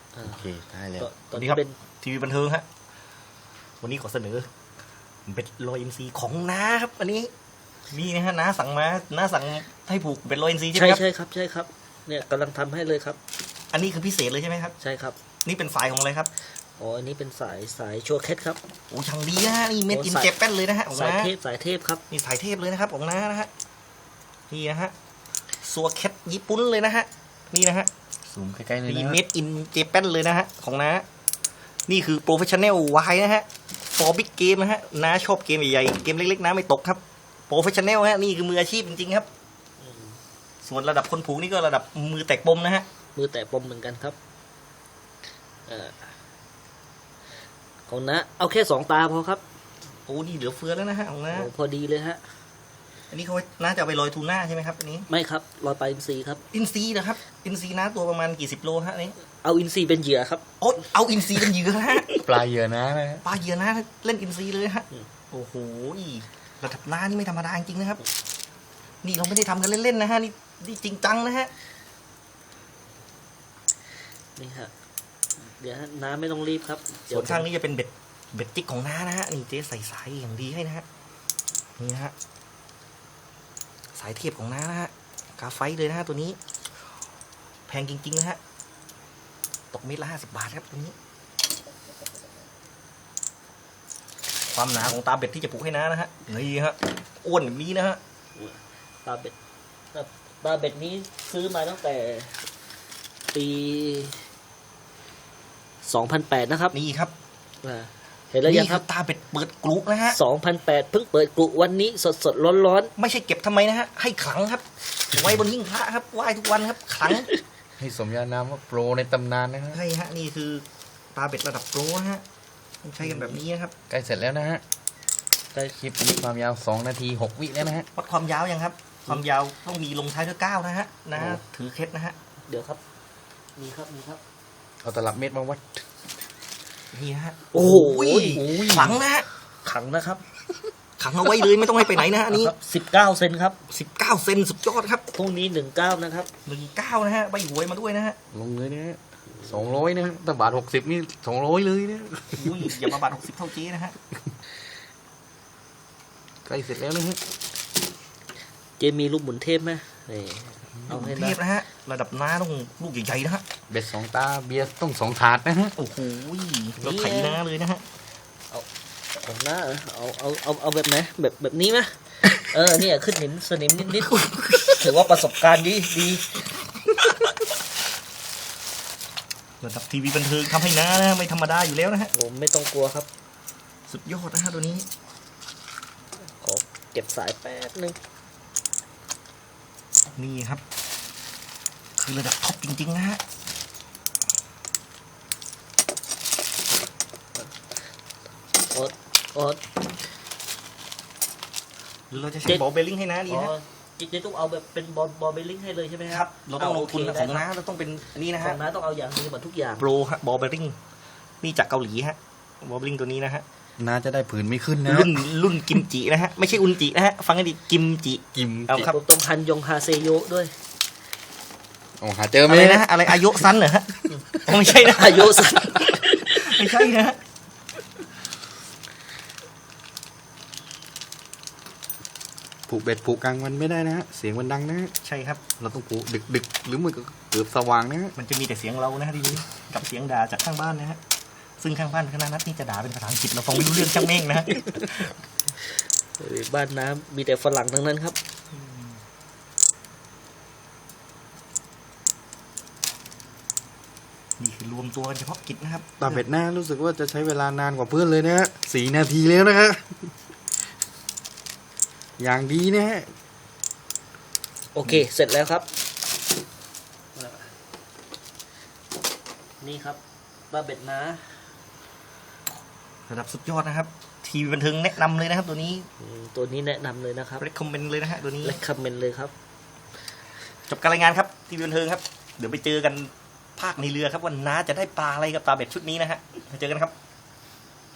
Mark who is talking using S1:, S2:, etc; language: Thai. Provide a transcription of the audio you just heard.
S1: โอเคได้แล้ว
S2: ตอนนี้ครับทีวีบันเทิงฮะวันนี้ขอเสนอเป็นโรยอินทรีย์ของน้าครับอันนี้นี่นะฮะน้าสั่งมาน้าสั่งให้ผูกเป็นโรยอินทรีย์ใช่ไหมครับ
S3: ใช่ครับใช่ครับเนี่ยกำลังทำให้เลยครับ
S2: อันนี้คือพิเศษเลยใช่ไหมครับ
S3: ใช่ครับ
S2: นี่เป็นสายของอะไรครับ
S3: อ๋ออันนี้เป็นสายชัวร์เคสครับ
S2: โอ้ช่างดีนะฮะนี่เม็ดอินเจแปนเลยนะฮะของน้า
S3: สายเทพครับ
S2: นี่สายเทพเลยนะครับของน้านะฮะนี่นะฮะซัวเคสญี่ปุ่นเลยนะฮะนี่นะฮะ
S1: ซูมใกล้ๆเลยนะ
S2: นี่เม็ดอินเจแปนเลยนะฮะของน้านี่คือโปรเฟชชั่นแนลวายนะฮะfor big game นะฮะน้าชอบเกมใหญ่ๆเกมเล็กๆน้าไม่ตกครับโปรเฟชชั่นแนลฮะนี่คือมืออาชีพจริงๆครับส่วนระดับคนผูกนี่ก็ระดับมือแตกปมนะฮะ
S3: มือแตกปมเหมือนกันครับของน้าเอาแค่2 ตาพอครับ
S2: โอ้นี่เหลือเฟือแล้วนะฮะของน้า
S3: พอดีเลยฮะ
S2: อันนี้เขาน่าจะไปลอยทูน่าใช่ไหมครับอันนี้
S3: ไม่ครับลอยปลาอินทรีครับ
S2: อินซีนะครับอินซีน้าตัวประมาณกี่สิบโลฮะนี้
S3: เอาอินทรีเป็นเหยื่อครับ
S2: โอ้เอาอินซีเป็นเหยื่อฮะ
S1: ปลาเหยื่อนะ
S2: ปลาเหยื่อนะเล่นอินซีเลยฮะโอ้โหระดับน้านี่ไม่ธรรมดาจริงๆนะครับนี่เราไม่ได้ทำกันเล่นๆนะฮะนี่จริงจังนะฮะ
S3: นี่ฮะเดี๋ยวน้าไม่ต้องรีบครับ
S2: ส่วนข้างนี้จะเป็นเบ็ดจิกของน้านะฮะนี่เจ๊ใส่สายอย่างดีให้นะฮะนี่นะฮะสายเทียบของน้านะฮะกาไฟเลยนะฮะตัวนี้แพงจริงๆนะฮะตกเม็ดละ50 บาทครับตัวนี้ความหนาของตาเบ็ดที่จะผูกให้น้านะฮะนี่ฮะอ้วนแบบนี้นะฮะ
S3: ตาเบ็ดนี้ซื้อมาตั้งแต่ปี2008นะครับ
S2: นี่ครับ
S3: เห็นแล้วยังครับ
S2: ตาเบ็ดเปิดกรุนะฮะ
S3: 2008เพิ่งเปิดกรุวันนี้สดร้อน
S2: ไม่ใช่เก็บทำไมนะฮะให้ขลังครับไว้บนหิ้งพระครับไหว้ทุกวันครับขลัง
S1: ให้สมญานามว่าโปรในตำนานนะฮะ
S2: ใช่ฮะนี่คือตาเบ็ดระดับโปรนะฮะใช้กันแบบนี้นะครับ
S1: ใกล้เสร็จแล้วนะฮะใกล้คลิปนี้ความยาว2 นาที 6 วิแล้วนะฮะ
S2: วัดความยาวยังครับความยาวต้องมีลงท้ายด้วย9นะฮะนะถือเคล็ดนะฮะ
S3: เดี๋ยวครับมีครับ
S1: เอาตลับเม็ดมาวัด
S2: นี่ฮะ
S3: โอ้โห
S2: ขังนะฮะ
S3: ขังนะครับ
S2: ขังเอาไว้เลยไม่ต้องให้ไปไหนนะฮะนี่
S3: 19 เซนครับ
S2: 19 เซนสุดยอดครับ
S3: พรุ่งนี้19นะครับ
S2: 19นะฮะใบหวยมาด้วยนะฮะ
S1: ลงเลยนะ200นะแต่บาท60นี่200เลยนะ
S2: อย่ามาบาท60เท่าเจ๊นะฮะ
S1: ใกล้เสร็จแล้วนะฮะ
S3: เจมีลูกหมุนเทพไหม
S2: เอาให้เทพนะฮะระดับน้าต้องลูกใหญ่ๆนะฮะ
S1: เบ็ด2 ตาเบียร์ต้อง2 ถาดนะฮะ
S2: โอ้โหเราไถน้าเลยนะฮะ
S3: ของน้าเอาแบบไหนแบบนี้ไหมเนี่ยขึ้นสนิมนิดถือว่าประสบการณ์ดี
S2: ระดับทีวีบันเทิงทำให้น้านะไม่ธรรมดาอยู่แล้วนะฮะ
S3: ผมไม่ต้องกลัวครับ
S2: สุดยอดนะฮะตัวนี้
S3: ขอเก็บสายแป๊บนึง
S2: นี่ครับคือระดับท็อปจริงๆนะฮะหรือเราจะใช้บอลเบลลิงให้น้าดีฮะ
S3: จะต้องเอาแบบเป็นบอลเบลลิงให้เลยใช่ไหมครับ
S2: เราต้องลงทุนของน้าเราต้องเป็นนี่นะฮะ
S3: ของน้าต้องเอาอย่างนี้หมดทุกอย่าง
S2: โปรฮะบอลเบลลิงนี่จากเกาหลีฮะบอลเบลลิงตัวนี้นะฮะ
S1: น่าจะได้ผืนไม่ขึ้นนะ
S2: รุ่นกิมจินะฮะไม่ใช่อุนจินะฮะฟังให้ดีกิมจิ
S3: เอาครับต้องฮันยงฮาเซโยด้วย
S1: โอ้หาเจอไหม
S2: นะอะไรอายุสั้นเหรอฮะไม่ใช่นะ
S3: อายุสั้น
S2: ไม่ใช่นะ
S1: ผูกเบ็ดผูกกลางวันไม่ได้นะฮะเสียงมันดังนะฮะ
S2: ใช่ครับ
S1: เราต้องผูกดึกหรือมือเกือบสว่างนะฮะ
S2: มันจะมีแต่เสียงเรานะฮะทีนี้กับเสียงด่าจากข้างบ้านนะฮะซึ่งข้างบ้านคณะนัทนี่จะด่าเป็นภาษาอังกฤษเราฟังไม่รู้เรื่องช่างเม่งนะ
S3: บ้านน้ำมีแต่ฝรั่งทั้งนั้นครับ
S2: นี่คือรวมตัวเฉพาะกิจนะครับ
S1: ตาเบ็ดหน้ารู้สึกว่าจะใช้เวลานานกว่าเพื่อนเลยนะฮะ4 นาทีแล้วนะฮะอย่างดีนะฮะ
S3: โอเคเสร็จแล้วครับนี่ครับตาเบ็ดนะ
S2: ระดับสุดยอดนะครับทีวีบันเทิงแนะนำเลยนะครับตัวนี้
S3: แนะนำเลยนะครับ
S2: เรคคอมเมนต์เลยนะฮะตัวนี้
S3: เรคคอมเมนต์เลยครับ
S2: จบการรายงานครับทีวีบันเทิงครับเดี๋ยวไปเจอกันภาคในเรือครับวันน้าจะได้ปลาอะไรกับตาเบ็ดชุดนี้นะฮะไปเจอกันครับ